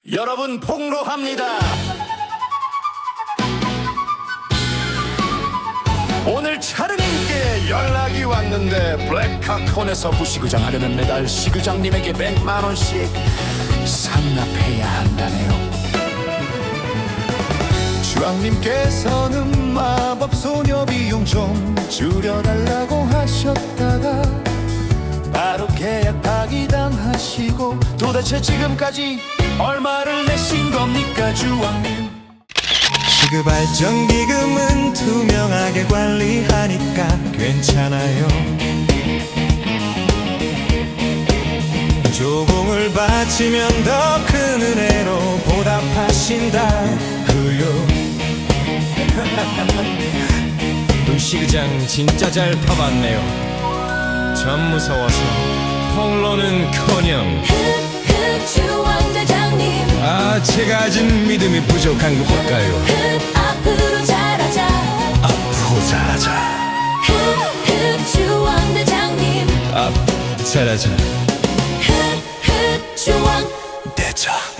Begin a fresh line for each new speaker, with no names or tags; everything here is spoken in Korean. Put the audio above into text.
여러분 폭로합니다. 오늘 차르님께 연락이 왔는데 블랙카콘에서 부시구장 하려면 매달 시구장님에게 100만원씩 상납해야 한다네요.
주왕님께서는 마법소녀 비용 좀 줄여달라고 하셨다가 바로 계약 파기당하시고 도대체 지금까지 얼마를 내신 겁니까 주왕님? 시급발전기금은 투명하게 관리하니까 괜찮아요. 조공을 바치면 더 큰 은혜로 보답하신다고요.
시구장 진짜 잘 파봤네요. 전 무서워서 폭로는커녕
주왕대장님
제가 아직 믿음이 부족한 것 같아요.
앞으로 잘하자
앞으로 잘하자.
주왕대장님
잘하자.
주왕
대장